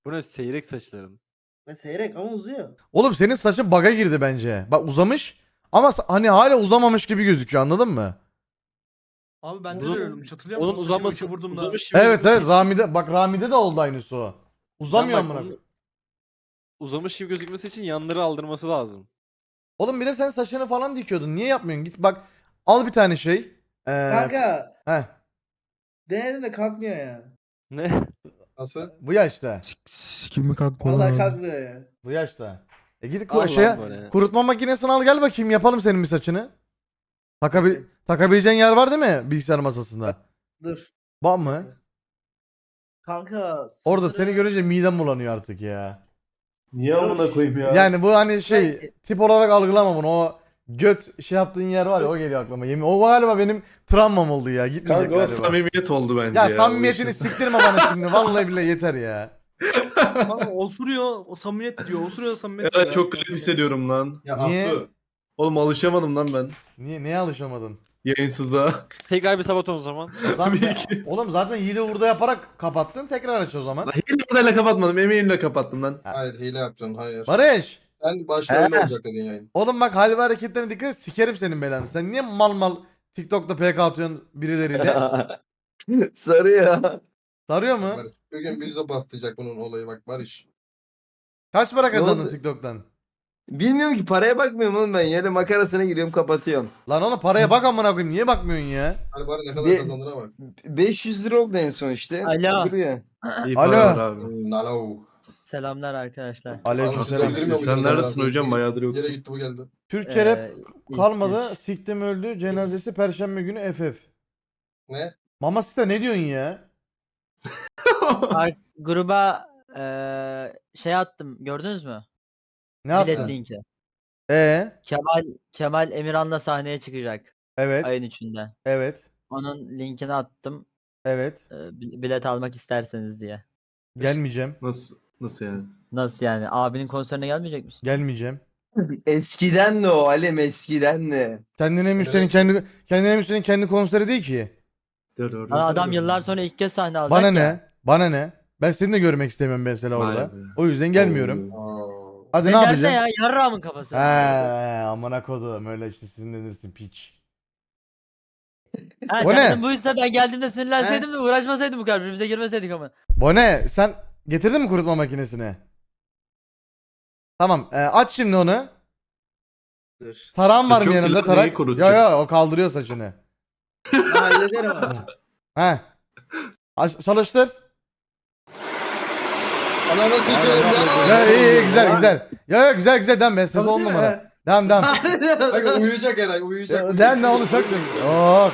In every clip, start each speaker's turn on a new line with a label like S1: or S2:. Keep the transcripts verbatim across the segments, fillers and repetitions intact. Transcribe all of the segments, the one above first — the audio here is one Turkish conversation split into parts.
S1: Bu ne seyrek saçların?
S2: Ve seyrek ama uzuyor.
S3: Oğlum senin saçın bug'a girdi bence. Bak uzamış ama sa- hani hala uzamamış gibi gözüküyor, anladın mı?
S4: Abi bende
S1: Uzun-
S4: de öyleymiş. Hatırlıyor musun?
S1: Onun
S4: Saçımı
S1: uzaması
S4: üçe vurdum da.
S1: uzamış gibi
S3: Evet
S1: gözükmesi
S3: evet
S1: için-
S3: Rami'de bak Rami'de de oldu aynısı o. Uzamıyor
S1: Bak,
S3: amına
S1: onun
S3: koyayım.
S1: Uzamış gibi gözükmesi için yanları aldırması lazım.
S3: Oğlum bir de sen saçını falan dikiyordun. Niye yapmıyorsun? Git bak al bir tane şey. Ee,
S2: Kanka
S3: heh,
S2: değerinde kalkmıyor ya.
S1: Ne?
S5: Nasıl?
S3: bu yaşta.
S6: Kimi kalkma
S2: Vallahi
S6: lan.
S2: kalkmıyor ya.
S3: Bu yaşta. E git
S1: Al lan
S3: ku- şeye,
S1: böyle.
S3: kurutma makinesini al gel bakayım, yapalım senin bir saçını. Takabil takabileceğin yer var değil mi bilgisayar masasında?
S2: Dur.
S3: Var mı?
S2: Kanka.
S3: Orada
S2: saçları-
S3: seni görünce midem bulanıyor artık ya.
S5: Niye amına koyayım ya?
S3: Yani bu hani şey
S2: Belki.
S3: tip olarak algılama bunu. O göt şey yaptığın yer var ya, o geliyor aklıma. Yemin o galiba benim travmam oldu ya. Gitmeyecek
S5: Kanka o
S3: galiba.
S5: samimiyet oldu bence
S3: Ya
S5: ya.
S3: samimiyetini
S5: bu işin.
S3: siktirme bana şimdi. Vallahi billahi yeter ya.
S4: Kanka osuruyor. O samimiyet diyor. Osuruyor samimiyet
S5: Evet
S4: diyor.
S5: çok garip hissediyorum lan.
S7: Ya
S3: Niye?
S7: Abdü.
S5: Oğlum alışamadım lan ben.
S3: Niye neye alışamadın?
S5: Yayınsızlığa.
S1: Tekrar bir sabaton o zaman.
S3: Zaten, oğlum zaten Yiğit'i hurda yaparak kapattın. Tekrar aç o zaman.
S5: Lan hileyle kapatmadım. Emeğimle kapattım lan.
S7: Hayır hile yapacaksın hayır.
S3: Barış.
S7: Sen başta öyle olacak dedin yayın.
S3: Oğlum bak hal ve hareketlerine dikkat et, sikerim senin belanı. Sen niye mal mal TikTok'ta P K atıyorsun birileriyle?
S5: Sarıyor.
S3: Sarıyor mu?
S7: Barış. Bugün bizi patlayacak bunun olayı bak Barış.
S3: Kaç para kazandın
S8: oldu?
S3: TikTok'tan?
S8: Bilmiyorum ki, paraya bakmıyorum oğlum ben. Yine makarasına giriyorum, kapatıyorum.
S3: Lan oğlum paraya bak amına koyayım. Niye bakmıyorsun ya?
S7: Hani bari ne kadar
S8: Bir-
S7: kazandığına bak.
S8: beş yüz lira oldu en son işte.
S9: Alo.
S8: Duruyor.
S5: İyi
S3: Alo.
S5: paralar abi.
S7: Hmm, Nalo.
S9: Selamlar arkadaşlar.
S3: Aleykümselam.
S7: Bildirmiyor
S5: Sen
S7: muydun
S5: neredesin
S7: zaten?
S5: hocam? Bayağıdır yoksun.
S7: Yere gitti bu geldi.
S3: Türkçe rap
S9: Ee, ilk-
S3: kalmadı.
S9: ilk-
S3: Siktim öldü. Cenazesi perşembe günü F F.
S7: Ne?
S3: Mama Sita ne diyorsun ya?
S9: Ar- gruba eee, şey attım, gördünüz mü?
S3: Ne
S9: Bilet
S3: yaptın?
S9: linki.
S3: Ee,
S9: Kemal Kemal Emirhan'la sahneye çıkacak
S3: evet.
S9: ayın üçünde.
S3: Evet.
S9: Onun linkini attım.
S3: Evet.
S9: eee, bi- bilet almak isterseniz diye.
S3: Gelmeyeceğim.
S5: Nasıl? Nasıl yani?
S9: Nasıl yani? Abinin konserine gelmeyecek misin?
S3: Gelmeyeceğim.
S8: Eskiden de o Alem, eskiden de.
S3: Kendine Müslü'nün kendi kendine Müslü'nün kendi konseri değil ki.
S5: Dur, dur, dur,
S9: Lan adam
S5: dur.
S9: yıllar sonra ilk kez sahne alacak
S3: Bana
S9: ya.
S3: ne? Bana ne? Ben seni de görmek istemiyorum mesela
S5: Vay
S3: orada.
S5: be.
S3: O yüzden gelmiyorum.
S7: Oo.
S3: Hadi
S9: Ne
S3: ne
S9: derse
S3: yapacağım?
S9: ya? Yarrağımın kafası.
S3: He, amına kodum öyle işte sizin denirsin piç.
S9: Ha,
S3: O ne?
S9: derdim buysa ben geldiğimde sinirlenseydim de uğraşmasaydım bu kadar. Birbirimize girmeseydik ama.
S3: Bone sen getirdin mi kurutma makinesini? Tamam, e, aç şimdi onu.
S5: Dur.
S3: Tarağın var mı
S5: Saçı yok
S3: yanında
S5: ki lan,
S3: tarak?
S5: neyi kurutacak?
S3: Ya ya o kaldırıyor saçını.
S2: Ben hallederim abi.
S3: He. Aç, çalıştır.
S7: Ananı sikeyim
S3: Ya
S7: ya.
S3: iyi iyi güzel güzel. Ya ya güzel güzel devam ben ses on numara. Devam devam.
S7: Bak uyuyacak Eray uyuyacak.
S3: Devam ne onu söktüm. Oh.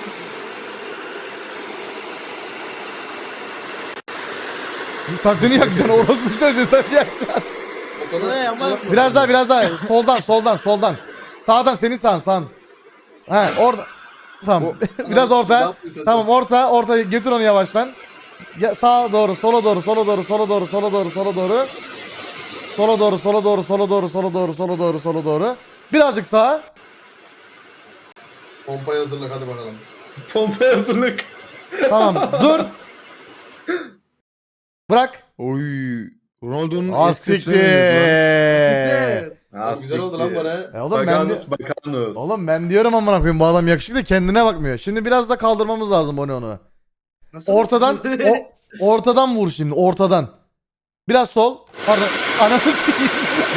S3: Saçını yakacaksın orospu çocuğu saçı yakacaksın.
S7: O kadar-
S2: Ne ama-
S7: Yapma.
S3: Biraz daha biraz daha soldan soldan soldan. Sağdan senin sağın sağın. He orada. Tamam. Biraz
S7: Ne
S3: orta.
S7: yapıyorsun?
S3: Tamam orta orta götür onu yavaştan. Ya, sağa doğru sola doğru sola doğru sola doğru sola doğru sola doğru. Sola doğru sola doğru sola doğru sola doğru sola doğru sola doğru. Birazcık sağa.
S7: Pompayı hazırla hadi bakalım.
S5: Pompa hazırlık.
S3: Tamam dur. Bırak.
S6: Oy. Ronaldo'nun
S3: Az
S6: eski saçına
S3: siktir.
S6: benziyor
S5: Ha,
S7: Güzel oldu lan
S5: siktir.
S7: bana.
S3: E oğlum ben de,
S5: Bakanus bakanus.
S3: oğlum ben diyorum amına koyayım bu adam yakışıklı kendine bakmıyor. Şimdi biraz da kaldırmamız lazım onu onu.
S2: Nasıl?
S3: Ortadan o, ortadan vur şimdi ortadan. Biraz sol. Pardon. Ananı sikeyim.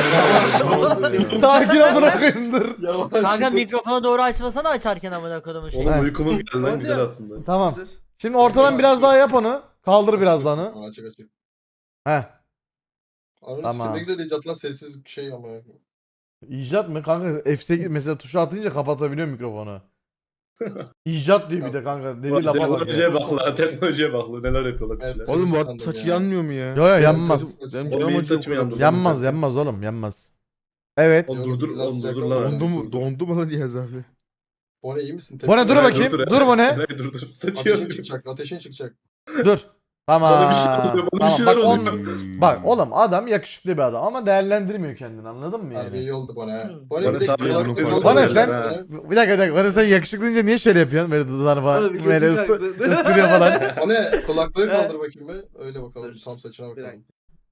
S3: Sakin amına koyayım dur.
S7: Yavaş.
S9: Kanka mikrofonu doğru açmasana açarken amına kodumun şeyi.
S5: Oğlum
S3: He.
S5: uykumuz geldi lan güzel aslında.
S3: Tamam. Şimdi ortadan biraz daha yap onu. Kaldır biraz daha onu.
S7: Açık açık.
S3: Heh.
S7: Ananı
S3: Tamam.
S7: sikeyim ne güzel icat lan sessiz bir şey ama.
S3: İcat mı kanka? F sekiz mesela tuşu atınca kapatabiliyor mikrofonu. İcat diyor bir de kanka. Dediği lafa bak ya.
S5: Teknolojiye bak la, teknolojiye bak la, neler yapıyorlar
S7: Evet.
S5: kişiler.
S6: Oğlum bu
S7: Sandım
S6: saçı
S7: ya.
S6: yanmıyor mu ya?
S3: Yo yo yanmaz.
S6: Benim
S5: Oğlum
S6: canım
S5: benim
S6: acıyor
S5: saçımı
S6: bu kadar.
S5: yandı.
S3: Yanmaz yanmaz oğlum yanmaz. Evet.
S5: Oğlum durdur,
S7: Biraz
S5: oğlum
S7: sıcak
S5: durdur
S7: oldu.
S5: lan.
S6: Dondu mu? Dondu mu lan Yaz abi?
S7: Bone iyi misin?
S3: Bone dur
S5: Eray,
S3: bakayım.
S5: Eray.
S3: Dur Bone.
S5: Eray, dur dur. Saçı
S7: Ateşin
S5: yanıyor.
S7: çıkacak ateşin çıkacak.
S3: Dur. Tamam.
S5: Bana bir şey oluyor, bana bir
S3: Tamam.
S5: şeyler
S3: Bak,
S5: oluyor.
S3: on- bak oğlum adam yakışıklı bir adam ama değerlendirmiyor kendini, anladın mı
S7: Harbi
S3: yani?
S7: iyi oldu Bone. ha.
S2: Hı.
S7: Bone
S5: Bone
S7: bir de
S5: sağ
S7: kulaklık
S6: olun.
S7: falan
S3: Bone
S7: söylüyor
S3: sen-
S7: ha.
S3: Bir dakika bir dakika. Bana sen yakışıklı deyince niye şöyle yapıyorsun? Böyle dudağını falan
S2: Oğlum bir
S3: böyle
S2: götür
S3: ısı,
S2: kalktı.
S3: ısırıyor falan.
S7: Bone kulaklığı kaldır bakayım be. Öyle bakalım tam saçına
S2: Bir
S7: bakalım.
S2: dakika.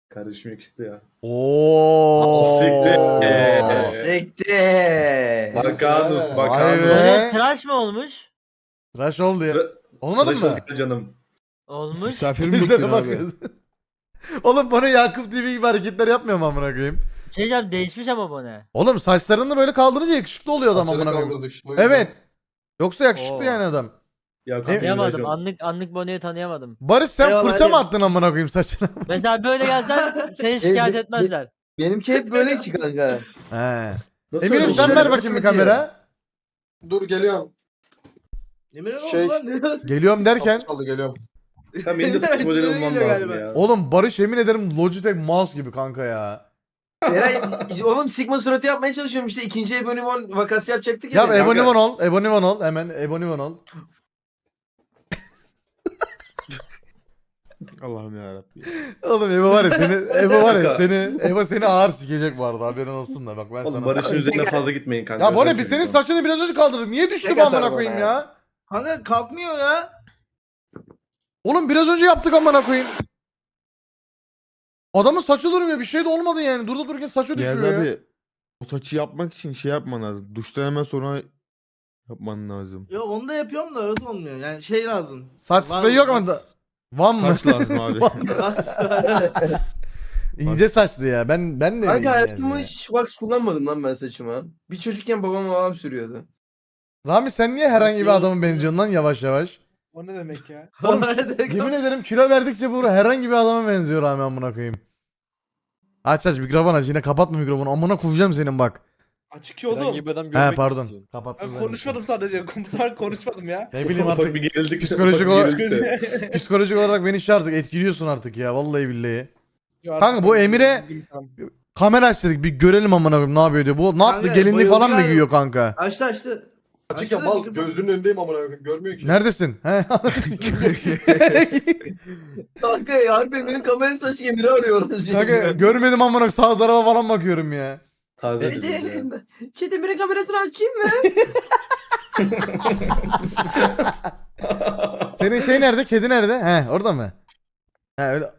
S5: Kardeşim yakışıklı ya.
S3: Oo.
S5: Siktir.
S8: Siktir.
S5: Bakanus,
S3: Vay
S5: bakanus.
S3: be.
S9: Bone tıraş mı olmuş?
S3: Tıraş oldu ya.
S5: Tıra-
S3: Olmadın
S5: Tıraş
S3: mı?
S5: ol gel canım.
S9: Olmuş.
S6: Misafirim
S3: Biz de
S6: bekliyor abi.
S3: bakıyoruz. Oğlum bana Yakup T V gibi hareketler yapmıyor mu amına koyayım?
S9: Şey diyeceğim, değişmiş ama Bone.
S3: Oğlum saçlarını böyle kaldırınca yakışıklı oluyor adam
S7: Saçları
S3: amına koyayım.
S7: kaldırdık işte, o yüzden.
S3: Evet. Yoksa yakışıklı
S9: Oo.
S3: yani adam.
S5: Yakup
S3: E-
S9: Tanıyamadım.
S5: Emrecan.
S9: Anlık anlık Bone'yi tanıyamadım.
S3: Barış sen
S2: Eyvallah,
S3: fırça mı
S2: hadi.
S3: attın amına koyayım saçına?
S9: Mesela böyle gelsen seni şikayet
S8: be-
S9: etmezler.
S8: Benimki hep böyle ki kanka.
S3: He.
S5: Nasıl
S3: Eminim
S5: öyle
S3: sen
S5: oldu?
S3: ver
S8: Şöyle
S3: bakayım bir
S8: bakma diye.
S3: kamera.
S7: Dur geliyorum.
S2: Yemin ederim
S7: Şey-
S2: lan ne?
S3: Geliyorum derken.
S7: Kapı çaldı geliyorum.
S5: Tamam benim de saç modeli
S2: Öyle
S5: olmam
S2: geliyor
S5: lazım
S2: galiba.
S5: ya.
S3: Oğlum Barış yemin ederim Logitech mouse gibi kanka ya.
S8: Eray oğlum Sigma suratı yapmaya çalışıyorum işte. İkinci Ebonimon vakası yapacaktık
S3: Ya
S8: ya.
S3: Ebonimon ol. Ebonimon ol. Hemen Ebonimon ol.
S6: Allah'ım yarabbim.
S3: Oğlum Ebo var ya seni Ebo var ya
S5: Kanka.
S3: seni Ebo seni ağır sikecek bu arada haberin olsun da bak ben
S5: Oğlum
S3: sana.
S5: Barış'ın üzerine fazla gitmeyin kanka.
S3: Ya bu ne
S5: Özür
S3: biz senin
S5: dilerim.
S3: saçını biraz önce kaldırdık. Niye düştü
S8: Ne
S3: bu amına
S8: kadar
S3: koyayım
S8: bana
S3: ya?
S2: Kanka kalkmıyor ya.
S3: Oğlum biraz önce yaptık amına koyayım. Adamın saçı durmuyor. Bir şey de olmadı yani. Durdu dururken saçı
S6: Niyaz
S3: düşüyor ya.
S6: abi o saçı yapmak için şey yapman lazım. Duştan hemen sonra yapman lazım.
S2: Yok onu da yapıyorum da öyle olmuyor. Yani şey lazım.
S3: Saç
S2: Var-
S3: spreyi yok mu?
S2: var-
S3: da? Van mı?
S6: Saç lazım abi.
S3: İnce saçlı ya. Ben ben de öyleyim
S8: Kanka
S3: yani
S8: hayatımda
S3: ya.
S8: hiç wax kullanmadım lan ben saçıma. Bir çocukken babam babam sürüyordu.
S3: Rami sen niye herhangi bir adama benziyorsun lan yavaş yavaş?
S4: O ne demek ya?
S3: Oğlum, Yemin ederim kilo verdikçe bu herhangi bir adama benziyor Rami amına koyayım. Aç aç mikrofon aç yine kapatma mikrofonu amına koyacağım senin bak.
S4: Açık yolum.
S1: Herhangi bir adam görmek
S3: He pardon.
S1: istiyorum.
S3: Kapattım.
S4: Ben konuşmadım sadece. Kumsal konuşmadım ya.
S3: Ne bileyim
S5: Ufak
S3: artık
S5: bir gerildik.
S3: psikolojik
S5: ufak bir
S3: olarak-
S5: gerildik de.
S3: psikolojik olarak beni şey artık etkiliyorsun artık ya vallahi billahi.
S4: Ya
S3: Kanka, bu Emir'e- Kamera aç dedik bir görelim amına koyayım ne yapıyor diyor. Bu ne yaptı
S2: Kanka,
S3: gelinlik
S2: bayıldı
S3: falan mı
S2: galiba.
S3: giyiyor kanka?
S2: Açtı açtı.
S7: Açık ya
S2: Açtı da
S7: mal
S2: mikrofonu.
S7: gözünün önündeyim amına koyayım. Görmüyor ki.
S3: Neredesin? He?
S8: Kanka ya harbi benim kamera saç Emir'i arıyoruz.
S3: Kanka görmedim amına koyayım, sağ tarafa falan bakıyorum ya.
S5: Taze
S8: Kedi,
S5: dedim ya.
S8: kedi Emir'in kamerasını açayım mı?
S3: Senin şey nerede? Kedi nerede? He orada mı? He öyle.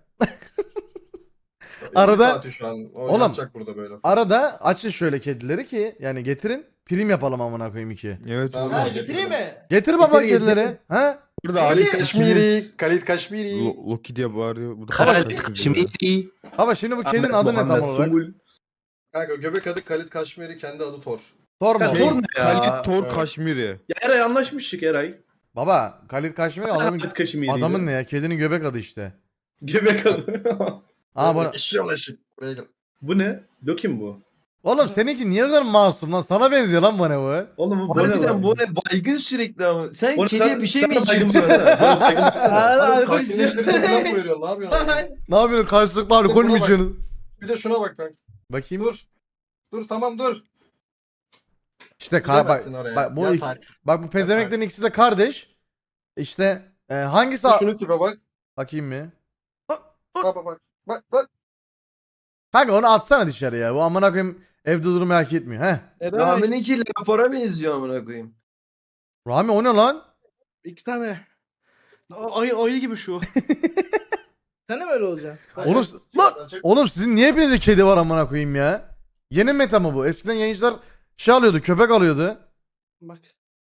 S3: Arada-
S7: İki saati şu an. O
S3: Oğlum.
S7: yapacak burada böyle.
S3: Arada açın şöyle kedileri ki yani getirin prim yapalım amına koyayım iki.
S6: Evet
S7: Tamam.
S6: oğlum.
S2: Ha getireyim mi?
S3: Getir baba
S8: Getir,
S3: kedileri.
S8: getir.
S3: Ha?
S6: Burada Ali
S7: Kaşmiri. Kalit Kaşmiri.
S6: Lo- Loki diye bağırıyor. Bu da
S3: Baba şimdi bu kedinin
S5: Ahmet
S3: adı ne tam
S5: Muhammed
S3: olarak?
S5: Sumbul.
S7: Kanka göbek adı Kalit Kaşmiri, kendi adı Thor.
S3: Thor mu?
S5: Ya,
S6: Şey,
S5: Thor ne ya?
S6: Kalit Thor
S7: Evet.
S6: Kaşmiri.
S5: Ya Eray anlaşmıştık Eray.
S3: Baba Kalit Kaşmiri adamın,
S5: Ahmet Kaşmiri.
S3: adamın ne ya? Kedinin göbek adı işte.
S5: Göbek adı.
S3: Aa bunu...
S7: Eşyalı eşik. Buraya gel.
S5: Bu ne? Loki mi bu?
S3: Oğlum seninki niye kadar masum lan? Sana benziyor lan bana bu.
S5: Oğlum bu ne
S8: Harbiden
S5: lan?
S8: bu ne baygın sürekli ama. Sen
S5: Oğlum
S8: kediye
S5: sen-
S8: bir şey
S5: sen
S8: mi
S5: baygın
S8: içiyorsun?
S5: baksana. Oğlum baygın baksana.
S2: Hala
S7: Abi
S2: alkol
S7: sakinleştirip
S2: içiyor.
S7: falan mı veriyorsun? Ne yapıyorsun? abi?
S3: Ne yapıyorsun? Karşılıklı alkol mü
S7: Buna bak.
S3: içiyorsunuz?
S7: Bir de şuna bak bak.
S3: Bakayım.
S7: Dur. Dur tamam dur.
S3: İşte ka- bak,
S7: Gidemezsin oraya.
S3: bak bu
S7: Yasak.
S3: iki- bak bu pezemeklerin ikisi de kardeş. İşte e, hangisi a-
S7: Şunu tipe bak.
S3: bakayım mı?
S7: Bak bak bak. Bak bak.
S3: Kanka onu atsana dışarıya. Bu amına koyayım evde durmayı hak etmiyor. Heh.
S8: Rami'ninki Leopar'a benziyor amına koyayım.
S3: Rami o ne lan?
S4: İki tane. A- Ayı, ayı gibi şu.
S2: Sen de mi öyle olacaksın? Bak,
S3: Oğlum, lan, oğlum sizin niye hepinizde kedi var amına koyayım ya? Yeni meta mı bu? Eskiden yayıncılar şey alıyordu, köpek alıyordu.
S4: Bak.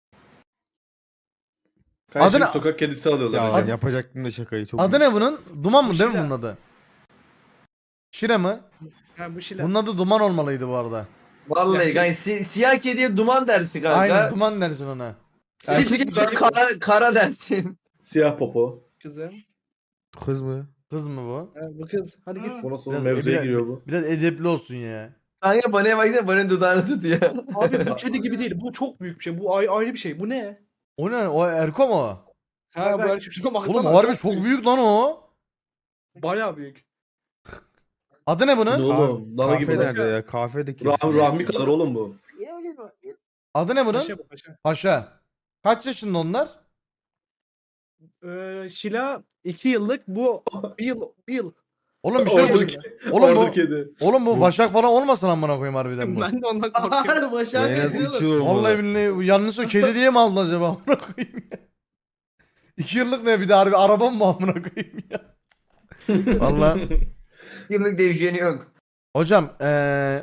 S5: Karşı
S3: Adı ne-
S5: sokak kedisi alıyorlar.
S6: Ya
S5: yani.
S6: yapacaktım da şakayı çok.
S3: Adı ne bunun? Duman mı değil mi
S4: Şira.
S3: bunun adı? Şire mi?
S4: Ha bu şeyler.
S3: Bunun adı Duman olmalıydı bu arada.
S8: Vallahi kanka si- siyah kediye duman dersin kanka.
S3: Aynen Duman dersin ona.
S8: Sipsiyah kara, kara dersin.
S5: Siyah popo.
S4: Kızım.
S6: Kız mı?
S3: Kız mı bu?
S4: Ha, bu kız. Hadi git.
S5: Bu nasıl
S3: Biraz-
S5: mevzuya
S3: biraz-
S5: giriyor bu?
S3: Biraz edepli olsun ya.
S8: Kanka bana baksana bana dudağını tutuyor.
S4: Abi bu kedi gibi değil. Bu çok büyük bir şey. Bu ay- ayrı bir şey. Bu ne?
S3: O ne? O Erko mu?
S4: Ha
S2: Bak,
S4: bu
S2: bak.
S4: erkek. Şuna baksana.
S3: Oğlum harbi çok büyük lan o.
S4: Bayağı büyük.
S3: Adı ne
S5: Ne
S3: bunun?
S5: oğlum? Dana gibi.
S6: Kahve
S5: lan.
S6: nerede ya? Kahvedeki.
S5: Rah Rahmi kadar oğlum bu.
S3: Adı ne bunun?
S4: Paşa bu paşa.
S3: Paşa. Kaç yaşında onlar?
S4: Ee, Şila iki yıllık. Bu bir yıl. Bir yıl.
S3: Oğlum bir şey
S5: Ordu,
S3: yok. Oğlum bu,
S5: ordu kedi.
S3: oğlum bu Vaşak falan olmasın amına koyayım harbiden bu.
S4: Ben de ondan korkuyorum.
S2: Harbi başa
S6: En az
S2: benziyor.
S6: üç yıl
S3: Vallahi
S6: olmalı.
S3: billahi bu yanlış o kedi diye mi aldın acaba amına koyayım ya? İki yıllık ne bir de harbi araba mı amına koyayım ya? Vallahi
S8: kırk yıllık değişeni yok.
S3: Hocam eee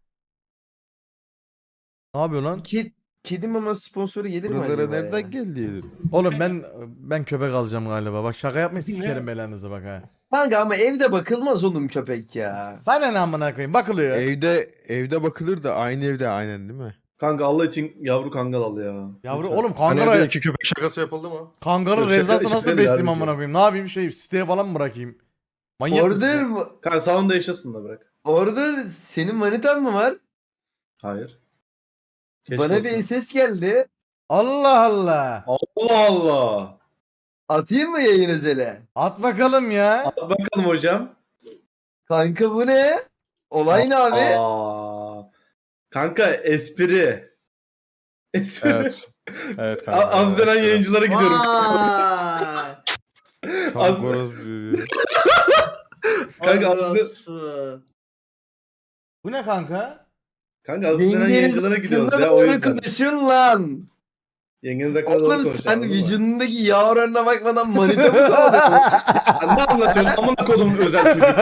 S3: ne yapıyor lan?
S8: Ked, kedi mama sponsoru gelir mi
S6: Buralara
S8: acaba ya?
S6: nereden geldi?
S3: Oğlum ben ben köpek alacağım galiba. Bak şaka yapmayın sikerim belanızı bak ha.
S8: Kanka ama evde bakılmaz oğlum köpek ya.
S3: Sana ne amına koyayım bakılıyor.
S6: Evde evde bakılır da aynı evde aynen değil mi?
S5: Kanka Allah için yavru kangal al ya.
S3: Yavru
S5: Lütfen.
S3: oğlum
S7: Hani
S3: kangara
S7: evde iki köpek şakası yapıldı mı?
S3: kangarı
S5: Yok,
S3: rezası
S5: şaka-
S3: nasıl
S5: şaka
S3: besleyeyim
S5: değil,
S3: amına koyayım? Ne yapayım şey siteye falan mı bırakayım? Manyak mısın
S8: Order
S3: ya?
S8: mı?
S5: Kanka salonda yaşasın da bırak.
S8: Orada senin manitan mı var?
S5: Hayır. Keşke
S8: Bana
S5: olsa.
S8: bir ses geldi.
S3: Allah Allah.
S5: Allah Allah.
S8: Atayım mı yayın özele?
S3: At bakalım ya.
S5: Al bakalım hocam.
S8: Kanka bu ne? Olay ne abi?
S5: Aa. Kanka espri. Espri.
S6: Evet. Evet
S5: A- Az dönen yayıncılara gidiyorum.
S2: Vay.
S5: Az- Kanka az
S2: Orası.
S3: Bu ne kanka?
S5: Kanka az dönen yayıncılara gidiyoruz ya o
S8: doğru
S5: yüzden.
S8: konuşun lan.
S5: Yengeniz hakkında doğru
S8: Oğlum
S5: konuşalım.
S8: sen
S5: değil mi?
S8: vücudundaki yağ oranına bakmadan manita mı kovalıyorsun?
S5: Sen ne anlatıyorsun? Amına kodum özel çocuk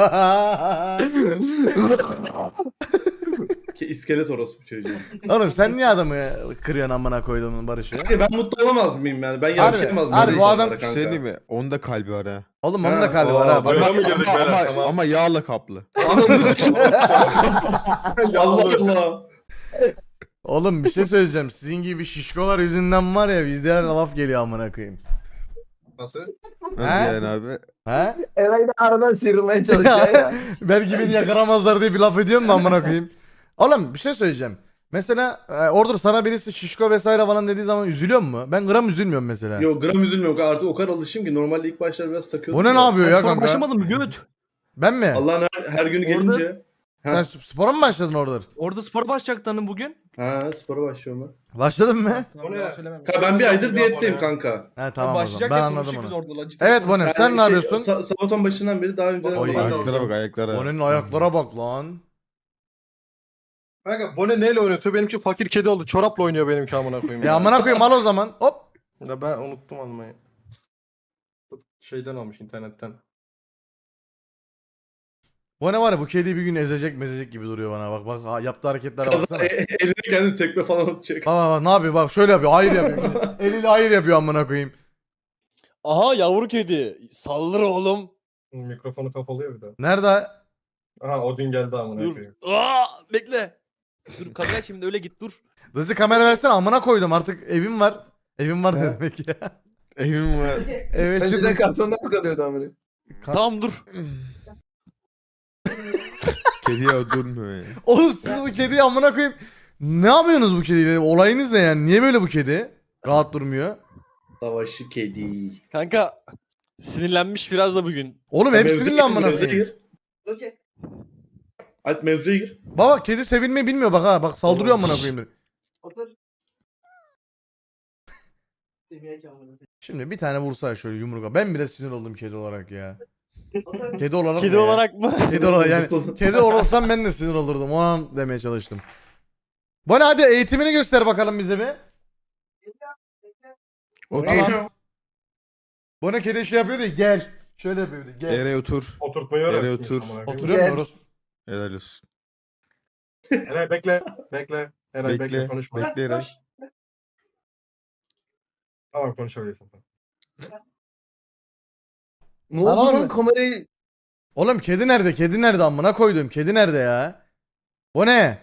S5: bu. Ki iskelet orospu çocuğu.
S3: Oğlum sen niye adamı kırıyorsun amına koyduğumun Barış'ı?
S5: Kanka ben mutlu olamaz mıyım yani? Ben
S3: Harbi,
S5: yavşayamaz mıyım?
S3: harbi,
S5: böyle
S3: bu adam-
S5: insanlara
S6: Bir şey diyeyim mi? Onun da kalbi var ha.
S3: Oğlum onun
S5: Ha,
S3: da kalbi var
S5: aa,
S3: ha. Bak,
S6: Ama,
S7: Öyle mi girdik
S6: ama,
S7: beyler?
S6: ama,
S7: Tamam.
S6: ama yağla kaplı.
S5: Ananı sikeyim. Allah Allah.
S3: oğlum bir şey söyleyeceğim. Sizin gibi şişkolar yüzünden var ya bizde her laf geliyor amına koyayım.
S7: Nasıl?
S6: Nasıl
S3: He?
S6: yani abi?
S3: He?
S8: Eray da aradan sıyrılmaya çalışıyor ya.
S3: Belki beni yakaramazlar diye bir laf ediyorum da amına koyayım. Oğlum bir şey söyleyeceğim. Mesela e, orada sana birisi şişko vesaire falan dediği zaman üzülüyor mu? Ben gram üzülmüyorum mesela.
S5: Yok gram üzülmüyorum. Artık o kadar alışım ki normalde ilk başlar biraz takıyordum.
S3: Bu ne,
S5: da.
S3: ne yapıyor
S4: Sen
S3: ya
S4: spora
S3: kanka?
S4: başlamadın mı göt?
S3: Ben mi?
S5: Allah'ın her, her günü
S4: Orada-
S5: gelince.
S3: Sen
S5: Ha,
S3: spora mı başladın orada?
S4: Orada spora başlayacaktın bugün.
S5: ha spora başlıyorum ben.
S3: Başladın mı?
S7: O ne?
S5: Kanka ben bir aydır diyetteyim kanka.
S3: He tamam o zaman.
S4: Başlayacak
S3: Ben
S4: ya,
S3: anladım
S4: konuşuyoruz
S3: onu.
S4: orada lan, ciddi
S3: Evet
S4: konuşuyoruz.
S3: Bonem sen ne
S5: şey,
S3: yapıyorsun?
S5: Sa- sabaton başından beri daha önce...
S7: Oy,
S6: Oy,
S7: ben de
S6: ayaklara bak ayaklara.
S3: Bone'nin ayaklara bak lan.
S7: Kanka bu ne neyle oynatıyor? Benimki fakir kedi oldu. Çorapla oynuyor benimki amına koyayım.
S3: Ya amına koyayım al o zaman. Hop.
S7: Ya ben unuttum almayı. Şeyden almış internetten.
S3: Bu ne var ya bu kedi bir gün ezecek mezecek gibi duruyor bana bak bak ha, yaptığı hareketlere
S5: Kaza,
S3: baksana.
S5: e- eline kendi tekme falan atacak.
S3: Bak bak bak ne yapıyor bak şöyle yapıyor hayır yapıyor. Eliyle hayır yapıyor amına koyayım.
S1: Aha yavru kedi. Saldır oğlum.
S7: Mikrofonu kapalı ya bir de.
S3: Nerede?
S7: Aha Odin geldi amına
S1: Dur.
S7: koyayım.
S1: Aa, bekle. Dur kamera şimdi öyle git dur.
S3: Hızlı kamera versene amına koydum artık evim var. Evim var ne demek ya.
S6: Evim var.
S3: Evet
S8: Önceden
S3: şimdi.
S8: kartonda mı kalıyordu amına?
S1: Tamam dur.
S6: Kediye durmuyor ya.
S3: Oğlum siz bu kediyi amına koyayım. Ne yapıyorsunuz bu kediyle? Olayınız ne yani? Niye böyle bu kedi? Rahat durmuyor.
S5: Savaşı kedi.
S1: Kanka sinirlenmiş biraz da bugün.
S3: Oğlum hep
S5: Mevzuya
S3: sinirli
S5: gir,
S3: amına
S5: mevzuya
S3: koyayım.
S5: gir.
S2: Okey.
S5: Alp mevzuya gir.
S3: Baba kedi sevilmeyi bilmiyor bak ha. Bak saldırıyor amına koyayım.
S2: Otur. Yemek yağmuru.
S3: Şimdi bir tane vursa şöyle yumruğa. Ben bile sinir oldum kedi olarak ya.
S2: Otur.
S3: Kedi olarak
S1: Kedi
S3: ne ya?
S1: olarak mı?
S3: Kedi olarak yani.
S5: Zıplasın.
S3: Kedi olsam ben de sinir olurdum. O an demeye çalıştım. Bana hadi eğitimini göster bakalım bize bir.
S6: Otur.
S3: Tamam. Bana kedi şey yapıyordu ya, gel. Şöyle yapıyordu gel.
S6: Yere otur.
S7: Oturtmayı
S6: Yere
S7: öğretmiş
S6: otur.
S7: amına koyayım.
S3: Oturuyoruz.
S6: Helal olsun.
S7: Eray bekle. Bekle. Eray bekle,
S6: Bekle.
S7: konuşma.
S6: Bekle Eray.
S7: Tamam konuşabilirsin.
S8: Ne oldu
S3: Lan oğlum.
S8: lan kamerayı?
S3: Oğlum kedi nerede? Kedi nerede amına koydum? Kedi nerede ya? O ne?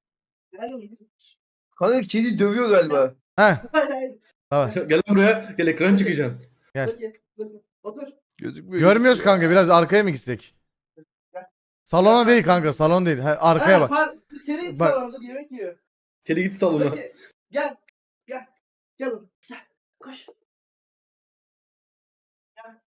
S8: Kanka kedi dövüyor galiba.
S3: Heh. Tamam.
S5: Gel buraya. Gel ekran çıkacaksın.
S2: Otur.
S6: Gözükmüyor.
S3: Görmüyoruz kanka biraz arkaya mı gitsek? Salona değil kanka salon değil. Ha, arkaya bak.
S2: Ha, kedi
S3: Bak.
S2: salonda yemek yiyor.
S5: Kedi git salona.
S2: Okey. Gel. Gel. Gel oğlum. Gel. Koş. Gel.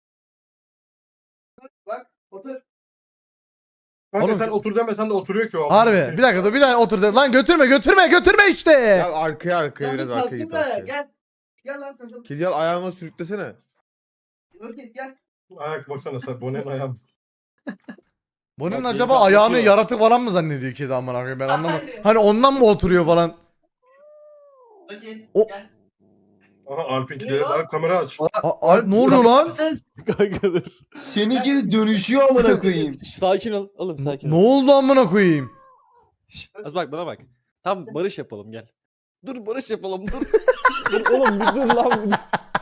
S2: Bak. Otur.
S7: Kanka
S3: Oğlum-
S7: sen otur demesen de oturuyor ki o.
S3: Harbi. Bir dakika dur bir daha otur. de- Lan götürme götürme götürme işte.
S6: Ya arkaya arkaya
S2: Gel
S6: biraz
S2: bir
S6: arkaya
S2: kalsın
S6: git
S2: be.
S6: arkaya.
S2: Gel. Gel lan. Gel.
S6: Kedi al ayağına sürüklesene.
S2: Okey gel.
S7: Ayak baksana sen. Bone'nin ayağı.
S3: Bunun
S7: Bak,
S3: acaba
S7: yeni
S3: ayağını
S7: atlatıyor.
S3: yaratık falan mı zannediyor kedi amına koyayım ben anlamadım.
S2: Hayır.
S3: Hani ondan mı oturuyor falan?
S2: Okey.
S3: O-
S2: Gel.
S7: Aha Alp'inkileri var, kamera aç.
S3: A- Alp ne oluyor lan?
S8: Sen
S1: Kankadır.
S8: seninki de dönüşüyor amına koyayım.
S1: Şş, Sakin ol. Oğlum sakin
S3: Ne
S1: ol.
S3: oldu amına koyayım?
S1: Şş, Az bak bana bak. Tamam barış yapalım gel. Dur barış yapalım dur. dur oğlum bir dur lan. bir dur.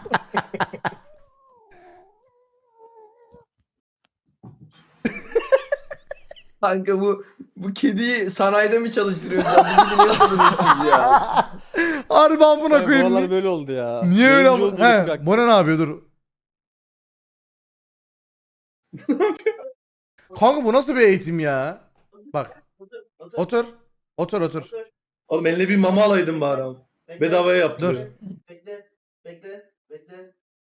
S8: Kanka bu bu kediyi sanayide mi çalıştırıyorsunuz? Bu kedi niye sanıyorsunuz ya?
S3: Harbi amına
S1: Ya,
S3: koyayım.
S1: buralar böyle oldu ya.
S3: Niye öyle
S1: Yayıncı
S3: ama?
S1: oldu, bir
S3: He,
S1: dakika.
S3: Bone ne yapıyor dur. Kanka bu nasıl bir eğitim ya? Bak
S2: Otur.
S3: otur. Otur otur.
S5: Oğlum eline bir mama alaydın bari abi.
S2: Bekle,
S5: Bedavaya yaptı.
S3: Dur.
S2: Bekle. Bekle. Bekle.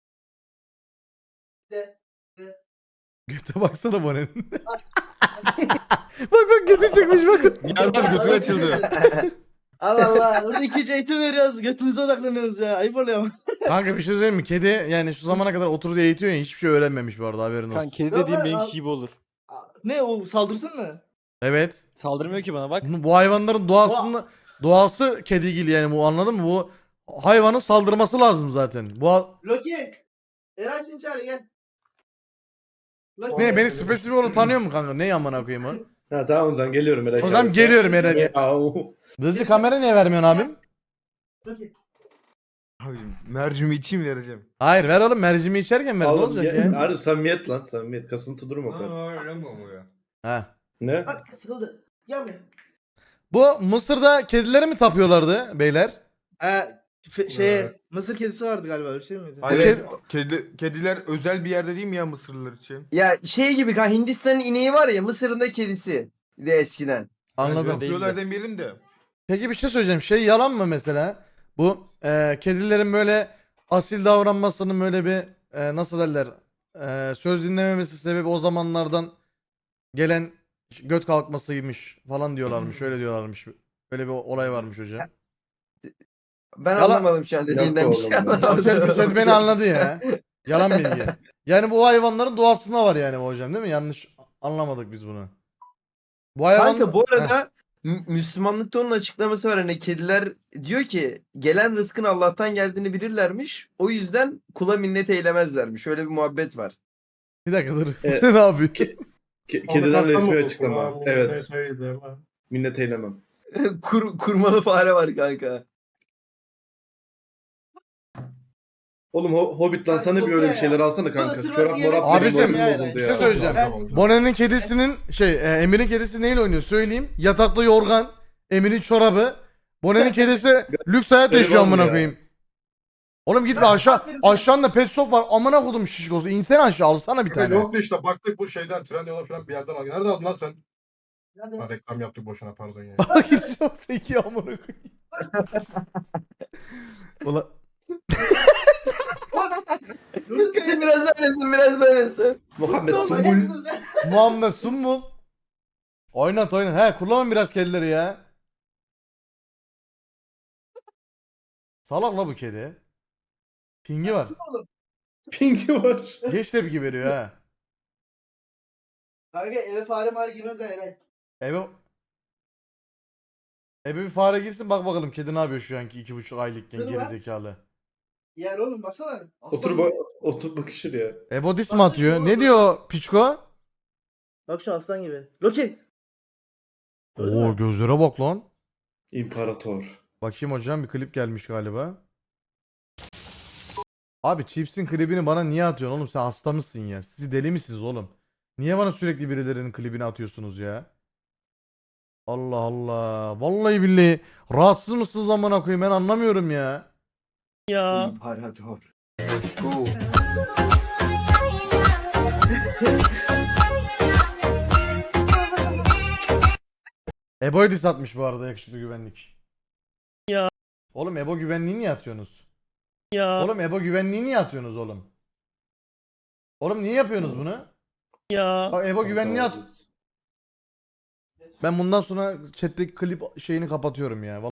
S2: Bekle.
S3: Göte baksana Bone'nin. Bak bak götü çıkmış bakın.
S6: Yardım götü açıldı.
S2: Allah Allah. Burada ikinci eğitim veriyoruz. Götümüze odaklanıyoruz ya. Ayıp oluyor ama.
S3: Kanka bir şey söyleyeyim mi? Kedi yani şu zamana kadar oturdu eğitiyor ya hiçbir şey öğrenmemiş bu arada haberin olsun.
S1: Kan kedi
S2: Yok
S1: dediğim
S2: lan,
S1: benimki
S2: al.
S1: gibi olur.
S2: Ne o saldırsın mı?
S3: Evet.
S1: Saldırmıyor ki bana bak.
S3: Bu bu hayvanların doğasını doğası kedigil yani bu anladın mı? Bu hayvanın saldırması lazım zaten. Bu ha-
S2: Loki. Eray seni çağırıyor gel. Loki.
S3: ne beni spesifik olarak tanıyor mu kanka? Ne amına koyayım o?
S5: Ha tamam o zaman geliyorum Eray.
S3: O zaman geliyorum Eren.
S5: Ya,
S3: Hızlı kamera niye vermiyorsun abim?
S2: Loki.
S6: Abi mercimi içeyim vereceğim.
S3: Hayır ver oğlum mercimi içerken ver ne
S5: Oğlum
S3: olacak
S5: ya,
S3: ya?
S5: Harbi samimiyet lan samimiyet. Kasıntı durma kadar.
S7: öyle mi o ya?
S3: Ha.
S5: Ne?
S2: Bak sıkıldı. Gel buraya.
S3: Bu Mısır'da kedileri mi tapıyorlardı beyler?
S2: Ee, fe- şeye
S7: Evet.
S2: Mısır kedisi vardı galiba öyle bir şey miydi?
S6: Hayır,
S3: Evet.
S6: kedi, kediler özel bir yerde değil mi ya Mısırlılar için?
S8: Ya şey gibi kan Hindistan'ın ineği var ya Mısır'ın da kedisi. De eskiden.
S3: Anladım.
S6: Yapıyorlar demeyelim de.
S3: Peki bir şey söyleyeceğim. Şey yalan mı mesela? Bu e, kedilerin böyle asil davranmasının böyle bir e, nasıl derler e, söz dinlememesi sebebi o zamanlardan gelen göt kalkmasıymış falan diyorlarmış. Öyle diyorlarmış. Öyle bir olay varmış hocam.
S8: Ben
S3: Yalan-
S8: anlamadım şu an dediğinden bir şey
S5: oğlum ya.
S3: O kedi, kedi beni anladı ya. Yalan bilgi. Yani bu hayvanların doğasında var yani bu hocam değil mi? Yanlış anlamadık biz bunu. Bu hayvan...
S8: Kanka bu
S3: Heh.
S8: arada Mü- Müslümanlıkta onun açıklaması var. Hani kediler diyor ki gelen rızkın Allah'tan geldiğini bilirlermiş. O yüzden kula minnet eylemezlermiş. Öyle bir muhabbet var.
S3: Bir dakika dur.
S5: Evet.
S3: ne yapıyor?
S5: Ke- ke- kediden resmi açıklama. Evet. Minnet eylemem.
S8: Kur, kurmalı fare var kanka.
S5: Oğlum ho Hobbit lan sana bir öyle bir şeyler alsana kanka.
S2: Isırması
S5: Çorap
S2: yemesi
S5: morap
S3: Abicim,
S5: benim
S2: gerekiyor
S5: moralim
S2: yani.
S5: bozuldu
S3: Bir
S5: ya.
S3: şey söyleyeceğim. Bonen'in kedisinin şey e, Emir'in kedisi neyle oynuyor söyleyeyim. Yatakta yorgan, Emir'in çorabı. Bonen'in kedisi lüks hayat yaşıyor
S5: Eyvallah
S3: amına
S5: ya.
S3: koyayım. Oğlum git bir aşağı aşağında pet shop var. Amına kodum şişkosu. İnsene aşağı alsana bir tane.
S7: Yoktu işte baktık bu şeyden Trendyol'a falan bir yerden al. Nerede aldın lan sen?
S2: Nerede?
S7: Ha, reklam yaptık boşuna pardon ya.
S3: Bak git çok zeki amına koyayım. Ulan
S8: biraz öylesin biraz öylesin.
S5: Muhammed
S2: Oğlum,
S5: Sumbul.
S2: ayaksınız ya.
S3: Muhammed Sumbul. Oynat oynat. He kullanın biraz kedileri ya. Salak la bu kedi. Pingi var.
S5: Pinki var.
S3: Geç tepki veriyor ha.
S2: Kanka eve fare mali girmez de Eray.
S3: Ebe... Ebe bir fare girsin bak bakalım kedi ne yapıyor şu anki iki buçuk aylıkken
S2: Dur lan.
S3: gerizekalı.
S2: Yer oğlum baksana. Aslan
S5: Otur
S2: gibi.
S5: ba otur bakışır ya.
S3: Ebo dis mi atıyor? Ne diyor Piçko?
S2: Bak şu aslan gibi. Loki. Gördün
S3: Oo
S2: mü?
S3: gözlere bak lan.
S5: İmparator.
S3: Bakayım hocam bir klip gelmiş galiba. Abi Chips'in klibini bana niye atıyorsun oğlum sen hasta mısın ya? Siz deli misiniz oğlum? Niye bana sürekli birilerinin klibini atıyorsunuz ya? Allah Allah. Vallahi billahi rahatsız mısınız amına koyayım ben anlamıyorum ya.
S1: Ya.
S8: İmparator.
S3: Ebo'yu diss atmış bu arada yakışıklı güvenlik.
S1: Ya.
S3: Oğlum Ebo güvenliği niye atıyorsunuz?
S1: Ya.
S3: Oğlum Ebo güvenliği niye atıyorsunuz oğlum? Oğlum niye yapıyorsunuz bunu?
S1: Ya.
S3: Bak Ebo güvenliği at. Ben bundan sonra chat'teki klip şeyini kapatıyorum ya.